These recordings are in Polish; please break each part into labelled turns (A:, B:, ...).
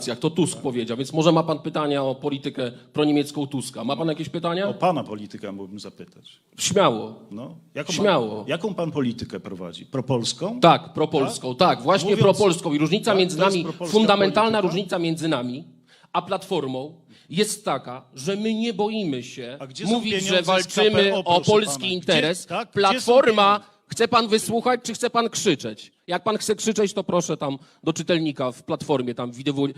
A: To Tusk powiedział, więc może ma pan pytania o politykę proniemiecką Tuska. Ma pan jakieś pytania?
B: O pana politykę mógłbym zapytać.
A: Śmiało.
B: No,
A: Śmiało.
B: Jaką pan politykę prowadzi? Propolską?
A: Tak, propolską, tak, właśnie
B: Mówiąc-
A: propolską. I różnica
B: tak,
A: między
B: to jest
A: nami,
B: propolska
A: fundamentalna
B: polityka?
A: różnica między nami a Platformą jest taka, że my nie boimy się
B: A gdzie są
A: mówić,
B: pieniądze
A: że
B: z
A: walczymy
B: KPO,
A: o
B: proszę
A: polski
B: pana?
A: interes.
B: Gdzie są
A: Platforma,
B: pieniądze?
A: chce pan wysłuchać, czy chce pan krzyczeć? Jak pan chce krzyczeć, to proszę tam do czytelnika w Platformie, tam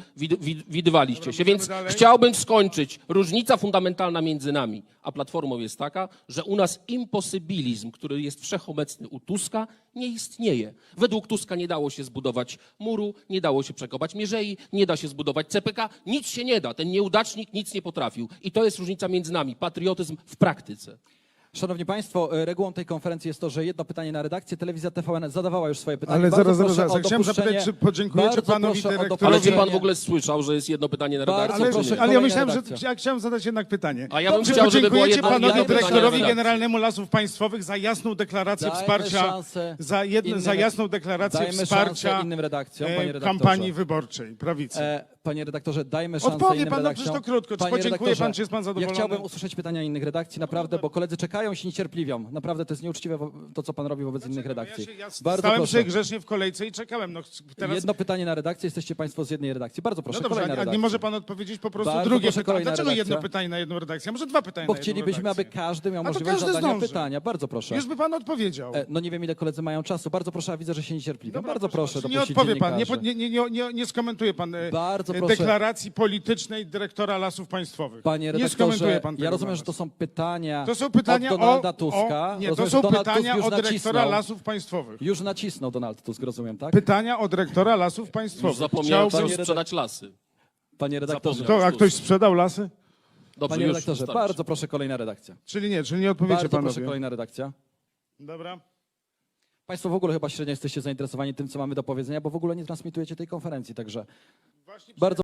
A: widywaliście się. Więc chciałbym skończyć. Różnica fundamentalna między nami a Platformą jest taka, że u nas imposybilizm, który jest wszechobecny u Tuska, nie istnieje. Według Tuska nie dało się zbudować muru, nie dało się przekopać mierzei, nie da się zbudować CPK, nic się nie da. Ten nieudacznik nic nie potrafił. I to jest różnica między nami. Patriotyzm w praktyce.
C: Szanowni Państwo, regułą tej konferencji jest to, że jedno pytanie na redakcję. Telewizja TVN zadawała już swoje pytanie.
D: Ale
C: Bardzo
D: zaraz.
C: proszę o
D: Chciałem
C: dopuszczenie-
D: zapytać, czy podziękujecie
C: bardzo
D: panowi
C: proszę o
D: dyrektorowi.
A: Ale czy pan
C: dopuszczenie-
A: w ogóle słyszał, że jest jedno pytanie na
C: Bardzo
A: redakcję?
D: Ale,
A: czy nie?
C: proszę,
D: ale ja
C: kolejna
D: myślałem,
C: redakcja.
D: że ja chciałem zadać jednak pytanie.
A: A ja bym
D: Czy
A: chciał, żeby było
D: podziękujecie
A: jedno
D: panowi
A: pytanie na
D: dyrektorowi
A: redakcję.
D: Generalnemu Lasów Państwowych za jasną deklarację
C: Dajmy
D: wsparcia,
C: szansę
D: za jasną deklarację
C: Dajmy
D: wsparcia
C: szansę innym redakcjom, panie redaktorze.
D: kampanii wyborczej prawicy.
C: Panie redaktorze, dajmy szansę
D: Odpowie
C: innym
D: pan, no
C: redakcjom.
D: przecież to krótko. Czy
C: Panie
D: podziękuje
C: redaktorze,
D: pan, czy jest pan zadowolony?
C: Ja chciałbym usłyszeć pytania innych redakcji, naprawdę, bo koledzy czekają się niecierpliwią. Naprawdę to jest nieuczciwe to, co pan robi wobec innych redakcji.
D: Ja
C: Bardzo
D: stałem
C: proszę.
D: sobie grzecznie w kolejce i czekałem. No, teraz...
C: Jedno pytanie na redakcję, jesteście państwo z jednej redakcji. Bardzo proszę,
D: No dobrze,
C: kolejna
D: a nie
C: redakcja.
D: może pan odpowiedzieć po prostu
C: Bardzo
D: drugie
C: proszę,
D: pytanie.
C: kolejna
D: Dlaczego
C: redakcja.
D: jedno pytanie na jedną redakcję? A może dwa pytania
C: Bo
D: na jedną
C: chcielibyśmy, aby
D: redakcję?
C: każdy miał
D: A to
C: możliwość
D: każdy
C: zadania
D: zdąży.
C: pytania. Bardzo proszę.
D: Już by pan odpowiedział.
C: No nie wiem, ile koledzy mają czasu. Bardzo proszę, a widzę, że się niecierpliwią.
D: Dobra,
C: Bardzo proszę,
D: nie
C: dopuścić
D: odpowie pan,
C: dziennikarzy.
D: nie skomentuje pan
C: Bardzo proszę.
D: deklaracji politycznej dyrektora Lasów Państwowych.
C: Panie
D: nie skomentuje
C: redaktorze,
D: pan tego
C: ja rozumiem,
D: dla
C: że
D: nas.
C: to są pytania,
D: To są pytania
C: od Donalda Tuska.
D: Nie, to
C: Rozumiem,
D: są
C: że Donald
D: pytania
C: Tusk
D: od
C: już
D: dyrektora
C: nacisnął.
D: Lasów Państwowych.
C: Już nacisnął Donald Tusk, rozumiem, tak?
D: Pytania od dyrektora Lasów
A: Już
D: Państwowych.
A: zapomniałem,
D: Chciałbym-
A: chciał sprzedać lasy.
C: Panie redaktorze,
A: Zapomniał.
D: A ktoś sprzedał lasy?
A: Dobrze,
C: panie
A: już
C: redaktorze,
A: wystarczy.
C: bardzo proszę, kolejna redakcja.
D: Czyli nie odpowiecie
C: Bardzo proszę,
D: panowie.
C: kolejna redakcja.
D: Dobra.
C: Państwo w ogóle chyba średnio jesteście zainteresowani tym, co mamy do powiedzenia, bo w ogóle nie transmitujecie tej konferencji, także bardzo